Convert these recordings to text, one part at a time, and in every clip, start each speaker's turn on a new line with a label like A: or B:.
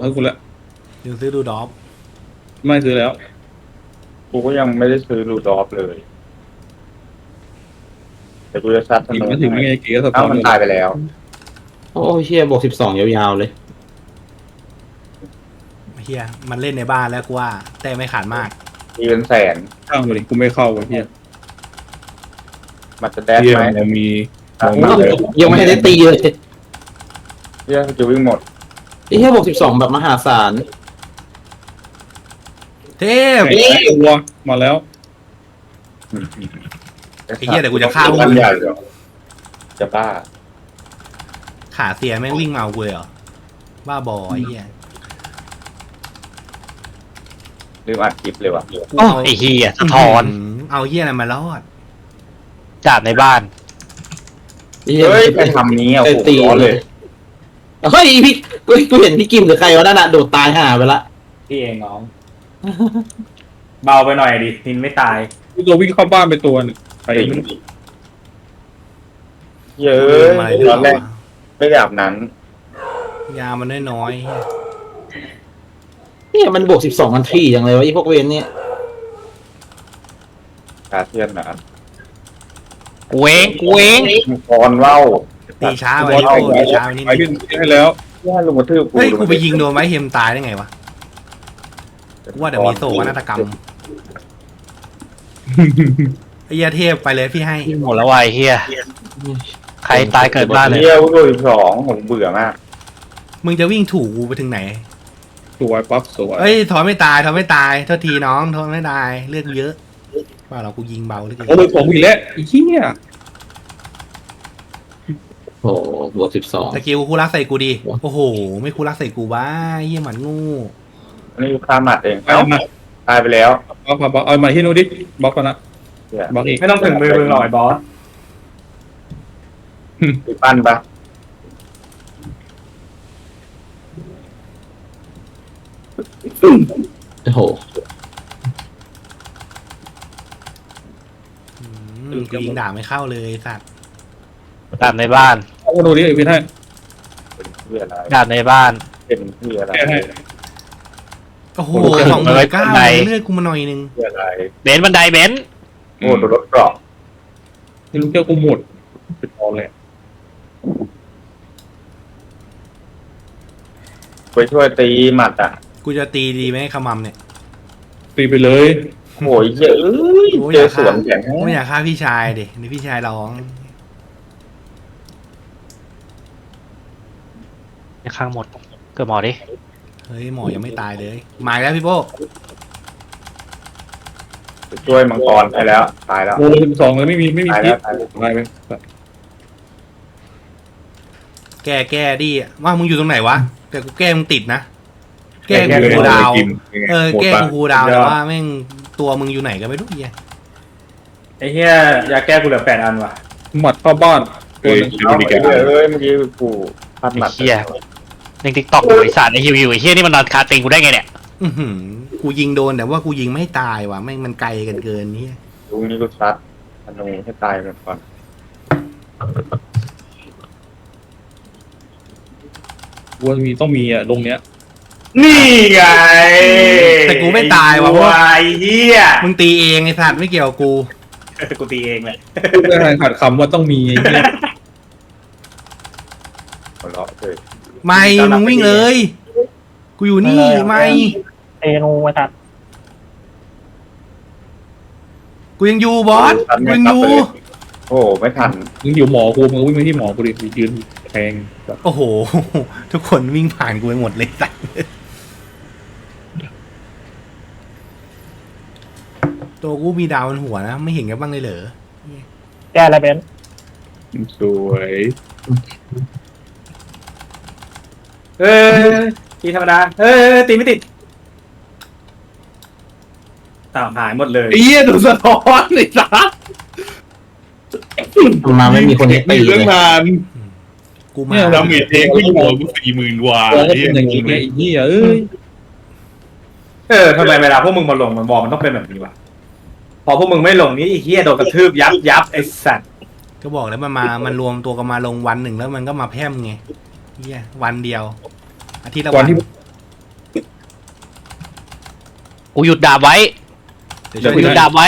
A: ให้กูละ
B: ดูซื้อดูดอฟ
A: ไม่ซื้อแล้ว
C: กูก็ยังไม่ได้ซื้อรูดอฟเลยแต่กูจะซัดธ
A: อีก
C: นู
A: ไม่ถึงไม่ไงกี่ก็สะท้
C: เอ้า
A: อน
C: มันตายไปแล้ว
D: โอ้เฮียบวก12ยาวๆเลย
B: เฮียมันเล่นในบ้านแล้วกูว่าแต่ไม่ขาดมาก
C: มีเป็นแสน
A: ข้างมาดิกูไม่เข้าไอ้เหี้ย
C: มันจะแดด
A: เหี้ย
C: ไหม
A: มันมี
D: ยังไม่ได้ตีเลย
C: เหี้ยจะวิ่งหมด
D: ไอ้เฮียบวก12แบบมหาศาล
B: เทพ
A: ไอ้ตัวมาแล้ว
B: ไอ้เหี้ยเดี๋ยวกูจะฆ่าพวก
C: บ้า
B: มึ
C: น
B: ง
C: ใหญ่เหรอจะบ้า
B: ขาเสียแม่งวิ่งมาเอากูเลยเหรอบ้าบอไอ้เหี้ย
C: ลืมอัดคลิปเลยว่ะ
E: โอ้ไอ้เฮียสะท้อน
B: เอาเหี้ยอะไรมารอด
E: จากในบ้าน
D: ไอ้เฮีย
C: เฮ้ยไปทำนี้อ่ะโอ้โหร้อนเลย
D: เฮ้ยพี่กูเห็นพี่กิมหรือใครวะนั่นน่ะโดดตายห่าไปละ
F: พี่เองน้อง เบาไปหน่อยดินินไม่ตาย
A: กูตัววิ่งเข้าบ้านไปตัวหนึงไปไม่รู้
C: เยอะ
B: อะไร
C: ตอนแรกไม่แบบนั้น
B: ยามันน้อยๆเหี้ย
D: เนี่ยมันบวก12มันที่อย่างเลยวะไอ้พวกเวนเนี่ย
C: คาเทียนนะ
E: กูเองกูเอง
C: มังกรว่าว
B: ตีช้าไป
A: บอล
B: นิด
A: ไป
B: ตีช้าไปนิด
A: ไป
B: นึ
A: ขึ้
B: ง
A: นให้แล้ว
C: เหี้ยลุงกระทืบ
B: เฮ้ยกูไปยิงโดนไว้เฮมตายได้ไงวะกูว่าเดี๋ยวมีโศกนาฏกรรมไอ้เหี้ยเทพไปเลยพี่ให้
E: หมดแล้ววายเฮียใครตายเกิดบ้านเลย
C: เฮียวุ้ย12ผมเบื่อมาก
B: มึงจะวิ่งถูกกูไปถึงไหน
A: สวยปั๊บสวย
B: เอ้ยถอนไม่ตายถอนไม่ตายโทษทีน้องถอนไม่ตายเลือดเยอะว่าเรากูยิงเบาเหลย
A: โอ้ยผมอีกแล้วไอ้เหี้ย
D: โอ้บวก12
B: สกิลคูรักใส่กูดีโอ้โหไม่คูรักใส่กูบ้าเหี้ยหมันงู
C: อันนี้ฆ่าหมัดเอง
A: เอา
C: เอ้า
A: มา
C: ตายไปแล้ว
A: บล็อกเอามาที่นู้นดิบล็อกก่อนนะ
C: เหี้ย
A: บล็อกอีก
F: ไม่ต้องถึงมือมึงหน่อยบอส
C: ไปปั้นปะ
D: โอ้โห
B: กูยิงด่าไม่เข้าเลยสัตว์
E: ดาบในบ้าน
A: เอามาดูดิไอ้พี่ให้
C: เป็นเพื่ออะไร
E: ดาบในบ้าน
C: เป็นเพื่ออะไร
A: แก้ให้
B: โอ้โห
E: โอ้โห
B: 29,000
E: ไหน
B: เลือดกูมาหน่อยนึง
C: เพื่ออะไร
E: เบนซ์บันไดเบนซ์
C: โอ้โดนรถเกราะ
A: ไม่รู้เจ้ากูหมดเป็นตอนเลย
C: ไปช่วยตีหมัดอ่ะ
B: กูจะตีดีไหมขมำเนี่ย
A: ตีไปเลย
C: โอ้ยเยอะเจอสวนแข็ง
B: กูไม่อยากฆ่าพี่ชายดินี่พี่ชายร้อง
E: ในข้างหมดเกิดหมอดิ
B: เฮ้ยหมอยังไม่ตายเลยมาอีกแล้วพี่โป้
C: ไปช่วยมังกรไปแล้วตายแล้ว
A: โอ้ย12เลยไม่มี
C: ตาย
A: พิ
C: แล้
A: ษ
C: วตายแล้ว
A: ตายไป
B: แก้ดิว่ามึงอยู่ตรงไหนวะแต่กูแก้มึงติดนะแก้กูคูลดาวน์แก้กูคูลดาวน์แต่ว่าแม่งตัวมึงอยู่ไหนก็ไม่รู้เหี้ย
F: ไอ้เหี้ยยาแก้กูเหลือ8 อันว่ะ
A: หมัดเข้าบ้านตัวหนึง
C: เอาไปเลยเมื่อกี้กูพัดหมัด
E: เฮียในติ๊กต็อกบริษัทไอฮิวฮิวไอเฮียนี่มันนอนคาติงกูได้ไงเนี่ย
B: อื้อหือกูยิงโดนแต่ว่ากูยิงไม่ตายว่ะแม่งมันไกลกันเกินนี่
C: ลุงนี้กูซัดธนูให้ตายก่อน
A: วัวมีต้องมีอ่ะลงเนี้ย
F: นี่ไง
B: แต่กูไม่ตายว่ะ
F: วายเหี้ย
B: มึงตีเองไอ้สัตว์ไม่เกี่ยวกับกู
F: กูตีเองแหละ
A: พูดไม่ทันขาดคำว่าต้องมีไอ้เหี้ย
C: หัวเราะเลย
B: ไม่มึงวิ่งเลย กูอยู่นี่ไม่
E: เอนูมาตัด
B: กูยังอยู่บอสกูยังอยู่
C: โอ้ไม่ทัน
A: มึงอยู่หมอกูมึงวิ่งไปที่หมอกูดิยืนแทงแบบ
B: โอ้โห ทุกคนวิ่งผ่านกูไปหมดเลยสัตว์ตัวกูมีดาวบนหัวนะ ไม่เห็นกันบ้างเลยเหรอ
E: แก้อะไรเบนซ์
A: สวย
F: เฮ้ยตีธรรมดาเฮ้ยตีไม่ติดต่างหายหมดเลย
A: ไอ้เหี้ยโดนสะท้อนไอ้สัส
D: มาไม่มีคนให้ตี
A: เรื่อง
D: เลย
A: นาน
B: กูมา
A: เนี่ยดาเมจเองวิ่งหมอกู40,000 กว่า
D: เออ
A: ไอ้อย่างงี้ไอ้เหี้ยเอ้ย
F: ทำไมเวลาพวกมึงมาลงมันบอกมันต้องเป็นแบบนี้วะพอพวกมึงไม่ลงนี่ไอ้เหี้ยโดนกระทืบยับไอ้สัตว์
B: ก็บอกแล้วมันรวมตัวกันมาลงวันหนึ่งแล้วมันก็มาแพร่มไงเฮียวันเดียวอาทิตย์ละ
A: วั
B: วัน น
A: ที่
E: กูหยุดดาบไว้
B: เดี๋ยวช่วย
E: กูหยุด
B: ให้
E: ดาบไว้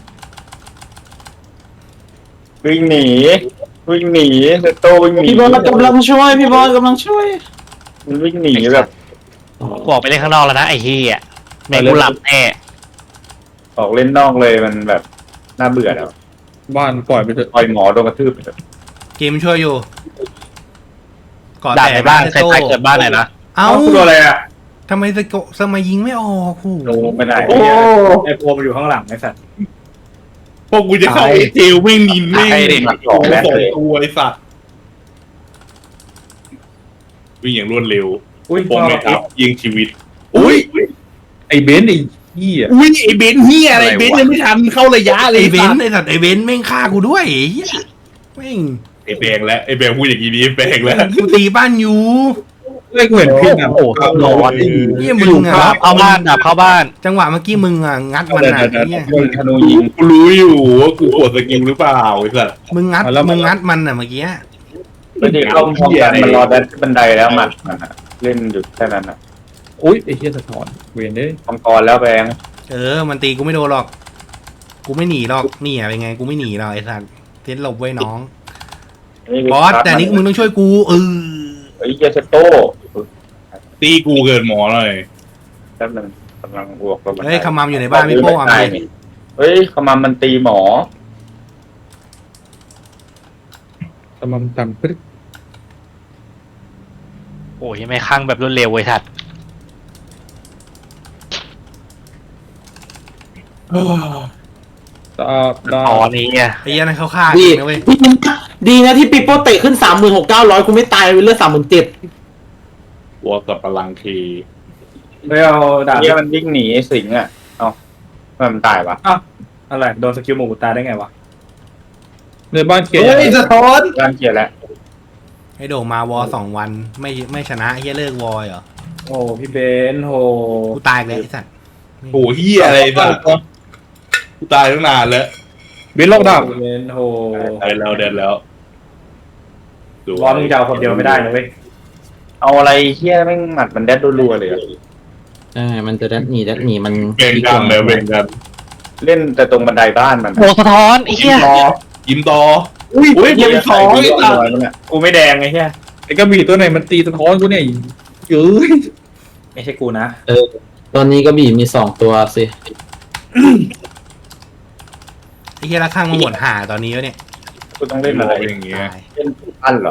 C: วิ่งหนีเซโตวิ่งหนี
D: พี่บอลกำลังช่วยพี่บอลกำลังช่วย
C: มันวิ่งหนีแบบ
E: กูออกไปเล่นข้างนอกแล้วนะไอ้เหี้ยแม่งกูหลับแน่
C: ออกเล่นนอกเลยมันแบบน่าเบื่อแล้ว
A: บ้านปล่อยไปเถอะ
C: ปล่อยหมอโดนกระทืบไปเถอะ
B: กิมช่วยอยู่ก่อน
E: ดาบ
B: แต่
E: ในบ้าน
B: เซ
E: ใคร
B: โต้
E: ตายเกิดบ้านไหนนะ
B: เอ้า
F: กูโดนอะไรอ่ะ
B: ทำไมสมัยยิงไม่ออกหู
C: โดนไปไหน
F: โอ้ไอ้โพมันอยู่ข้างหลังไอ้สัตว์
A: พวกกูจะเข้าเจลไม่นินไม่
E: ใครดิ
C: หนักสองแล้ว
A: สอง
C: เลย
A: ตัวไอ้สัตว์วิ่งอย่างรวดเร็ว
F: อุ้ย
A: ผมไม่ทับยิงชีวิตอุ้ยไอ้เบนซ์ไอ้เหี้ย
G: อุ้ยไอ้เบนซ์เฮียอะไรเบนซ์ยังไม่ทันเข้าระยะเลย
B: ไอเบน
G: สัต
B: ซ์
G: ว์
B: ไอสัตว์ไอเบนซ์แม่งฆ่ากูด้วยไอ้เหี้ยแม่ง
A: ไอ้แบงแล้วไอ้แบงพูดอย่างนี้ดีแบงแล้ว
B: กูตีบ้านอยู่
A: ไม่กูเห็นพี่นะ
E: โอ้โหร้อน
B: เหี้ยมึงอ่ะ
E: ดาบเข้าบ้านดาบเข้าบ้าน
B: จังหวะเมื่อกี้มึงอ่ะงัดมันอ่ะไอ้เหี้ย
C: โดนธนูยิง
A: กูรู้อยู่ว่ากูกดสกิลหรือเปล่าไอ้สัตว์
B: มึงงัดมันอ่ะเมื่อกี้
C: แล้วที่เข้าห้องกันมันรอดันบันไดแล้วมันอะเล่นอยู่แค่นั้นอะ
A: อุ้ยไอ้เหี้ยสะท้อนเวียนเด้ย
C: มังกรแล้วแบง
B: มันตีกูไม่โดนหรอก กูไม่หนีหรอกนี่อ่ะเป็นไงกูไม่หนีหรอกไอ้สัตว์เทนหลบไว้น้องบอสแต่นี่มึงต้องช่วยกู
C: เฮ้ยเจสโต้
A: ตีกูเกินหมอหน่อย
C: แป๊บนึงกำลังบวกกับมัน
B: เฮ้ยขมามอยู่ในบ้านพี่โป้เอาไป
C: เฮ้ยขมามมันตีหมอ
A: ตำมันตำปึ๊ด
E: โอ้ยไม่ข้างแบบรวดเร็วเว้ยทัด
A: ตาตา
E: อ๋อนี่อ่ะ
B: ไอ้เหี้ยนั่นเขาฆ่า
D: ดี
B: จริงนะเว้ย
D: ดีนะที่ปิโป้เตะขึ้น36,900กูไม่ตายเลือด37,000
A: ตัวกับพลังที
F: ไม่เอาดาบ
C: เนี่ยมันวิ่งหนีสิงอะเอ้ามันตายวะ
F: อะไรโดนสกิลหมูตายได้ไงวะ
A: ในบ้านเกียร์
G: เฮ้ยสะท้อน
C: ร่างเกียร์แล้ว
B: ไอ้โด่งมาวอ2 วันไม่ชนะไอ้เหี้ยเลิกวอเหรอ
F: โอ้พี่เบนโห
B: กูตายอีกแล้วไอ้สัตว์
A: โอ้เหี้ยอะไรสัตว์กูตายตั้งนานแล้วเบนล็อกดาวน์
F: พี่เบนโห
A: ได้แล้วเดินแล้ว
F: บอลมึงจะเอาคนเดียวไม่ได้นะเว้ย
C: เอาอะไรเฮี้ยแม่งหมัดมันแดดรัวๆเลยอะ
D: ใช่มันจะดัดหนีมัน
A: เบ่งกันเลยเบ่งกัน
C: เล่นแต่ตรงบันไดบ้านมัน
E: โอ้สะท้อนไอ้เหี้ย
A: ยิ้มต่อ
G: อุ้ย
A: อุ้ย
G: ยังสอง
C: ไอ้
G: ไอ้
C: ตั
G: สัตว์
C: มันอะ
F: กูไม่แดงไงเฮีย
A: ไอ้กระบี่ตัวไหนมันตีสะท้อนกูเนี่ยเยอะ
F: ไม่ใช่กูนะ
D: ตอนนี้ก็บีมี2ตัวสิ
B: ไอ้เหี้ยละข้างมันหมดห่าตอนนี้แล้วเนี่ย
C: กูต้องเล่นอะไร
A: อย่างเงี้ย
B: ตาย
C: เล่นอันเหรอ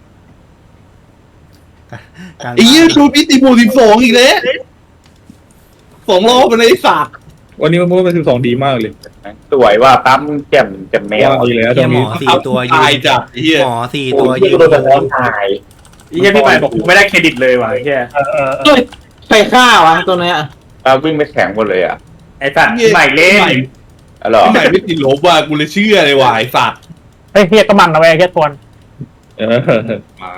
B: กลาง
G: ไอ้เหี้ยชูพิติบู12อีกแล้ว2 รอบไปเลยไอ้สัตว์
A: วันนี้มันเป็น12ดีมากเลย
C: สวยว่าปั๊มแจ่มแมว
A: ดีแล้วต
B: เหี้
A: ร
B: ย
A: ง
B: หม
A: นี้
B: อ4 ตัวยื
A: ตาย
B: น
A: จัดไอ้เหี้ย
B: หมอ4
C: โอ้
B: ตัวย ยื
C: ที่
B: น
C: โดนสะท้อนตาย
F: ไอ้เฮียพี่ใหม่บอกกูไม่ได้เครดิตเลยว่ะไอ้เฮีย
D: ใครฆ่าวะตัวเนี้ย
C: ปั๊มวิ่งไปแข็งหมดเลยอะ
F: ไอ้สัตว์พี่ใหม่เล่น
C: อ๋อเหรอ
A: พี่ใหม่ไม่ติดลบว่ะกูเลยเชื่อเลยว่ะไอ้สัตว์
E: เฮ้ยเฮียก็มันนะเว้ยเฮียทวน
A: มัน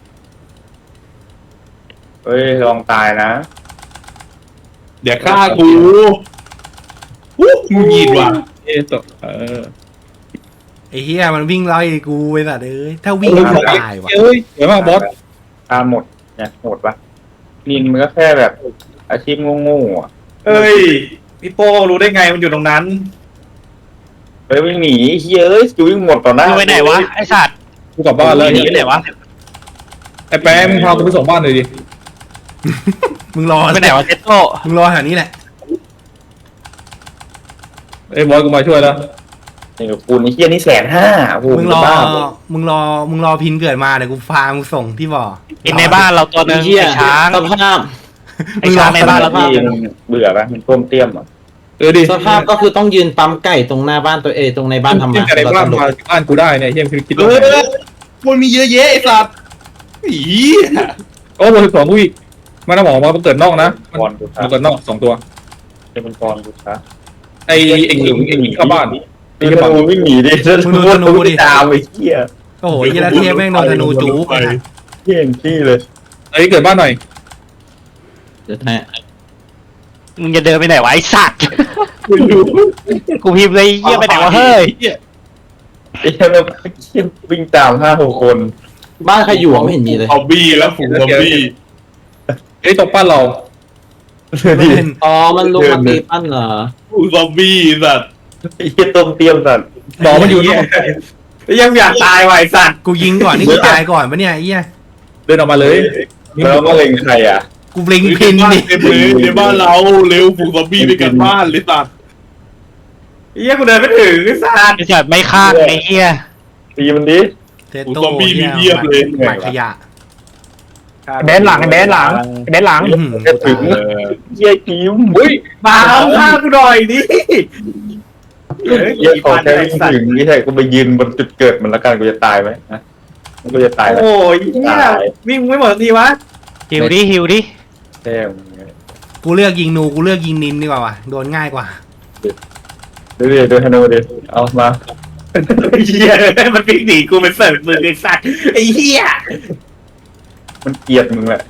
C: เฮ้ยลองตายนะ
A: เดี๋ยวฆ่ากูวู้มึงยีดว่ะตก
B: ไอ้เหี้ยมันวิ่งไล่กูไอ้สัตว์ถ้าวิ่งกูตายว่ะ
A: เอ้ยเดี๋ยวมาบอส
C: ตาหมดเนี่ยโหดปะนินมันก็แค่แบบอาชีพโง่ๆอะ
F: เอ้ยพี่โป้รู้ได้ไงมันอยู่ตรงนั้น
C: เฮ้ยวิ่งหนีเฮ้ยเอ้ยจะวิ่งหมดต่อหน้า
E: มึงไปไหนวะไอ้สัตว์
A: กูกลับบ้านแล้ว
E: หนีไปไหนวะ
A: ไอ้แป๊ะมึงพากูไปส่งบ้านหน่อยดิ
B: มึงรอ
E: ไปไหนวะเจโต้
B: มึงรอแถวนี้แหละ
A: ไอ้บอสกูมาช่วยแล้ว
C: นี่กับกูนี่เฮี้ยนี่150,000โอ้โห
B: มึงรอ
C: บ้า
B: มึงรอพินเกิดมาเดี๋ยวกูพามึงส่งที่บ่อ
E: อินในบ้านเราตัวหนึง
D: เหี้ย
E: ไอ้ช้าง
D: สภาพ
E: ไอ้ช้างในบ้านเรา
C: ที่มึงเบื่อปะมันต้มเตี้ยมอ่ะ
A: ดิ
D: สภาพก็คือต้องยืนปั๊มไก่ตรงหน้าบ้านตัวเองตรงในบ้านทำ
A: เที่ย
D: มาง
A: แต่ใน
D: เรา
A: บ้าน
D: ตลก
A: มาบ้านกูได้เนี่ยเที่ยงคือคิด
G: เฮ้ยมันมีเยอะแยะไอ้สัตว์
A: อีโอ้โห12กูอีกมาหน้าหมอมาเกิดนอกนะ
C: กรกูช้า
A: มาเกิดนอก2ตัว
C: เป็นกรกูช้า
A: ไอ้หญิงเข้าบ้าน
C: ตีกระตูวิ่งหนีดิ
B: มึงดูธนูดิ
C: ตามไอ้เหี้ย
B: โอ้โหเหี้ยละเทพแม่งโดนธนูจู๊กไอ้สัตว์
C: เหี้ยขี้เลย
A: ไอ้เกิดบ้านหน่อย
D: เดี๋ยวแท้
E: มึงจะเดินไปไหนวะไอ้สัตว์กูพิมพ์เลยเฮียไปไหนวะเฮ้ย
C: ไอ้เหี้ยแบบเหี้ยวิ่งตาม5-6 คน
D: บ้านใครอยู่อะไม่เห็นมีเลย
A: ซอมบี้แล้วฝูงซอมบี้ไอ้ตกบ้านเรา
B: ไม่เป็น
D: อ๋อมันลงมาตีปั้นเหรอ
A: ฝูงซอมบี้สัตว์
C: ไอ้เหี้ยต้มเตรียมสัตว์
F: หมอมันอยู่เนี่ยยังอยากตายว่ะไอ้สัตว์
B: กูยิงก่อนนี่กูตายก่อนปะเนี่ยไอ้เหี้ย
G: เดินออกมาเลย
C: แล้วก็เล็งใครอ่ะ
B: กูบลิงพินดิ
A: เต็มเลยในบ้านเราเร็วฝูงซอมบี้ไปกันบ้านเลยสัตว์
F: ไอ้เหี้ยกูเดินไม่ถึงไอ้สัตว์
E: ไอ้สัตว์ไม่ฆ่าไอ้เหี้ย
C: ตีมันดิ
B: เทโต้เนี่ยหมายขยะ
E: เบนหลังเบนหลังเบนหลัง
B: อื้อหือ
C: จะถึง
A: เออ
C: เหี้ยคิม
F: อุ้ยมาเอาฆ่ากูหน่อยดิเฮ้ย
C: เหี้ยขอ
F: ปัน
C: แค่
F: ไอ้
C: วิ่ง
F: สัต
C: ถึง
F: ว์
C: นี่ใช่กูไปยืนบนจุดเกิดมันแล้วกันกูจะตายไหมนะกูจะตายแล้ว
F: โอ้ยเนี่ยวิ่งไม่หมดทีวะ
E: หิวดิหิวดิ
C: แท้มึง
B: กูเลือกยิงนูกูเลือกยิงนินดีกว่าว่ะโดนง่ายกว่า
C: ดูธนูดิเอามา
F: ไอ้เหี้ยมันวิ่งหนีกูเป็นเสิร์ฟมือไอ้สัตว์ไอ้เหี้ย
C: มันเกลียดมึงแหละ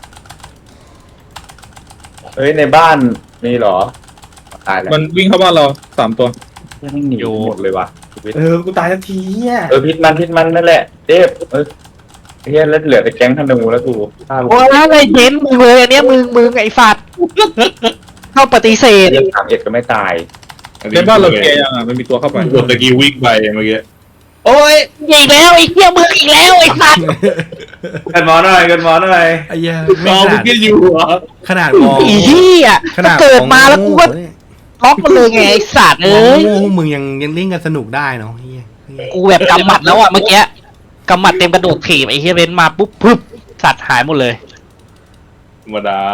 C: เฮ้ยในบ้านนี่เหรอตายแล้ว
G: มันวิ่งเข้าบ้านเรา3 ตัว
C: ไม่หนีหมดเลยว่ะ
F: กูตายทันทีอ่ะ
C: พิษมันนั่นแหละเดฟเฮียแล้วเหลือแต่แก๊งธนูแล้วกูฆ่า
E: โอ้ยอะไรเบนมึงเลยอันเนี้ยมึงไอ้สัตว์เข้าปฏิเสธ
C: เรื่อง3 ก็ไม่ตาย
G: ในบ้านเราแกยังอ่ะมันมีตัวเข้าไป
A: โดนตะกี้วิ่งไปเมื่อกี้
E: โอ้ยอีกแล้วไอ้เหี้ยมึงอีกแล้วไอ้สัตว์
F: กันหมอหน่อยกันหมอหน่อย
B: ไอ้เหี้ย
A: ร
B: ไม่
A: อ
B: ข
A: มึ
B: นาง ด
A: ก็อยู่เหรอ
B: ขนาดมอง
E: ไอ้เหี้ย
B: ขนาด
E: เกิดมาแล้วกูก็
B: เนี่ย
E: ล็อกมันเลยไงไอ้สัตว์
B: มอง
E: เอ้ย
B: โง่มึงยังเล่นกันสนุกได้เนาะเหี้ย
E: กูแบบกำหมัดแล้วอ่ะเมื่อกี้กำหมัดเต็มกระโดดถีบไอ้เหี้ยเบนมาปุ๊บปึ๊บสัตว์หายหมดเลย
A: ธรรมดา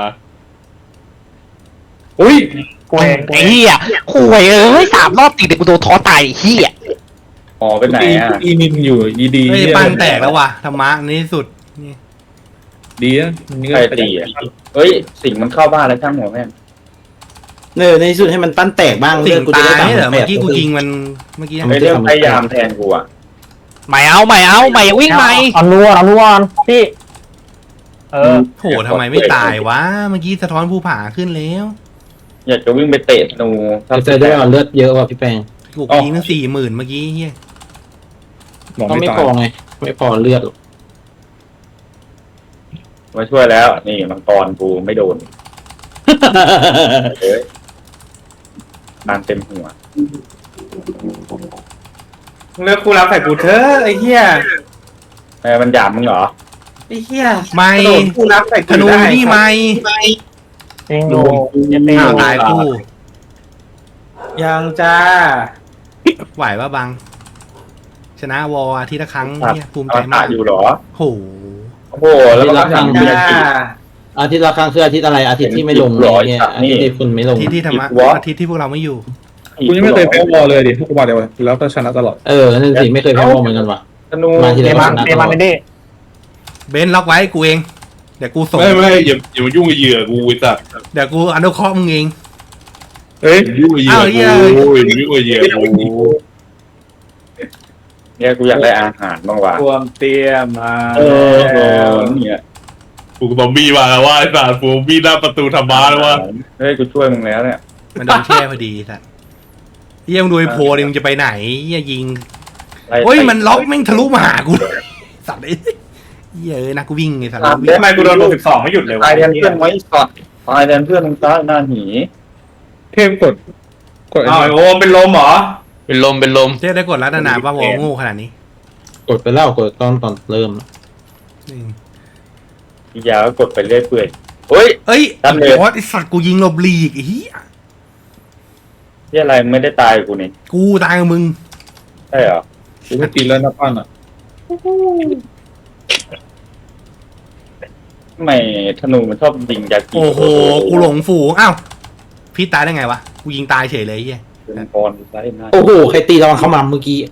C: อุ้ย
E: ไอ้เหี้ยข่วยเอ้ย3 รอบติดเดี๋ยวกูโดนท้อตายไอ้เหี้ย
C: หมอไปไหนอ่ะ
G: อีนินอยู่ดี
B: เฮ้ยปั้นแตกแล้วว่ะธรรมะในที่สุดนี่
G: ดีนะนี่ก็
C: ใครตีอ่ะเฮ้ยสิ่งมันเข้าบ้านแล้วช่างหัวแม่ง
D: ในที่สุดให้มันปั้นแตกบ้าง
B: สิ่ง
D: กูจะ
B: ตาย
D: ได้
B: เหรอ
D: 3,800
B: เมื่อกี้กูยิงมันเมื่อกี้
C: ไอ้เรื่องพยายามแทนกูอ่ะ
E: ไม่เอาวิ่งใหม่
H: เอารู้ก่อนพี่
B: โหทำไมไม่ตายวะเมื่อกี้สะท้อนภูผาขึ้นแล้ว
C: อยากจะวิ่งไปเตะธนู
D: เจอได้ว่าเลือดเยอะว่ะพี่แปง
B: กูยิงตั้ง40,000เมื่อกี้เฮีย
G: หมอ
D: ก็
G: ไม่
D: ไม่
G: ตา
D: พอย ไงไม่พอเลือดหรอก
C: มาช่วยแล้ว นี่มังกรกูไม่โดนเฮ้ยนานเต็มหัว
F: เลือกกูรับใส่กูเถอะไอ้เหี้ย
C: มันหยามมึงเหรอ
F: ไอ้เหี้ย
B: ไม่
F: กระโดดกูรับใส่
B: ธ
F: กู
B: นู
F: ได้
B: นี่ไม่
H: จริงดูจะตี
B: อ้าวตายกู
F: ยังจ้า
B: ไหวปะบัง ชนะวออาทิตย์ละครั้งเนี่ยภูมิ
C: เอา
B: ใจมา
C: ตาก อยู่เหรอ
B: โห
C: โอ้โหแล้วก็ทำ
F: จ้า
D: อาทิตย์ละครั้งคืออาทิตย์อะไรอาทิตย์ที่ไม่ลงเนี่ยอาทิตย์ที่คุณไม่ลง
B: อาทิตย์ที่ธรรมะอาทิตย์ที่พวกเราไม่อยู่
G: กูยังไม่เคยแพ้วอลเลยดิทุกวันเดียวแล้วก็ชนะตลอด
D: นั่นสิไม่เคยแพ้วงเหมือนกันว่ะ
C: ธนู
D: มาที
H: เต
D: ละ
H: มันเตมันไม่ได้
B: เบนล็อกไว้กูเอง เดี๋ยวกูส่ง
A: ไม่อย่ามายุ่งกับเหยื่อกูไอ้สัตว์
B: เดี๋ยวกูอนุเคราะห์มึงเอง
G: เฮ้ย
A: ยุ่งกับเหยื่อกูอย่ามายุ่งกับเหยื่อกู
C: เนี่ยกูอยากได้อาหารบ้างว่ะ
F: รวมเตรียมมา
C: เนี่ย
A: ฝูงซอมบี้มาแล้วว่าไอ้สัตว์ฝูงซอมบี้หน้าประตูธรรมะแล้วว่า
C: เฮ้ยกูช่วยมึงแล้วเนี่ย
B: มันโดนแช่พอดีสัตว์เฮียมึงดูไอ้โพดิมึงจะไปไหนเฮียยิง
C: ไล่
B: โอ้ยมันล็อกแม่งทะลุมาหากูสัตว์ไอ้เฮียนะกูวิ่งไงสัตว์วิ่ง
F: ทำไมกูโดน12ไม่หยุดเลยวะ
C: ตายแทนเพื่อนไว้สอดตายแทนเพื่อนมึงตายหน้าหนี
G: เทพกด
F: อ้าวไอ้โอมเป็นลมเหรอ
A: เป็นลม
B: เจ๊ได้กดรัตนาว่าวอโง่ขนาดนี้
D: กดไปแล้วกดตอนเริ่ม
C: อียาก็กดไปเรื่อยเปื่อยเฮ้ย
B: เอ้ย
C: ดันเลย
B: ไอ้สัตว์กูยิงหลบหลีกไอ้เหี้ย
C: ที่อะไรไม่ได้ตายกูนี่
B: กูตายกับมึง
C: ใช่เหรอ
G: กูก็ตีแล้วนะปั้นอ่ะ
C: ทำไมธนูมันชอบยิงยากิ
B: โอ้โหกูหลงฝูงอ้าวพี่ตายได้ไงวะกูยิงตายเฉยเลยไอ้เหี้ย
C: เป็นกรไล่หน้า
D: โอ้โหใครตีระวังเข้ามาเมื่อกี้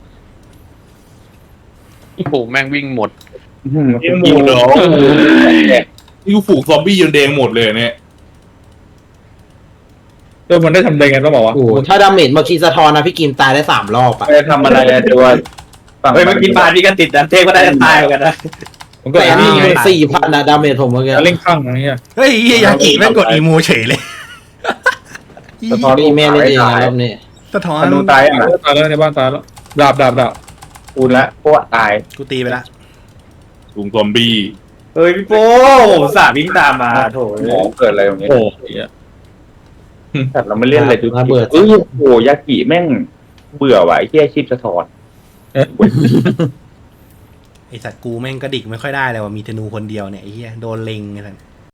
A: โอ้โหแม่งวิ่งหมด
C: ยิง
A: หมดเหรอนี่กูฝูงซอมบี้จนแดงหมดเลยเนี่ย
G: มันได้ทำได้ไงต้องบอกว่า
D: โอ้โหถ้าดาเมจเมื่อกี้สะท้อนนะพี่กิมตายได้3 รอบอ่ะ
C: ไปทำอะไรอะตัว
F: เฮ้ยเมื่อกี้ปาพี่ก็ติดดันเทพก็ได้ตายเหมือนกันนะ
G: มันก็
D: แต่
G: ไอ้
D: นี่
G: นี่ไง
D: 4,000นะดาเมจผมเมื่อกี้
G: เล่งข้างอะไรเงี้ย
B: เฮ้ยไอ้เหี้ยยากิแม่งกดอีโมเฉยเลย
C: สะท้อน
D: อีเมลนี่เองรอบนี้
B: สะท้อน
C: ธนูตายอ่ะ
G: ตายแล้วในบ้านตายแล้วดาบ
C: กูละพวกตาย
B: กูตีไปละ
A: ฝูงซอมบี้
F: เฮ้ยพี่โป้สาวิ่งตามมาโถ
C: หมอเกิดอะไรตรงนี้
G: โอ้ย
C: แต่เราไม่เล่นอะไรดู
D: ระเบิด
C: โอ้โหยากิแม่งเบื่อว่ะไอ้เหี้ยชีพสะท้อน
B: ไอสัตว์กูแม่งกระดิกไม่ค่อยได้เลยว่ะมีธนูคนเดียวเนี่ยไอ้เหี้ยโดนเล็งไอ้สัตว์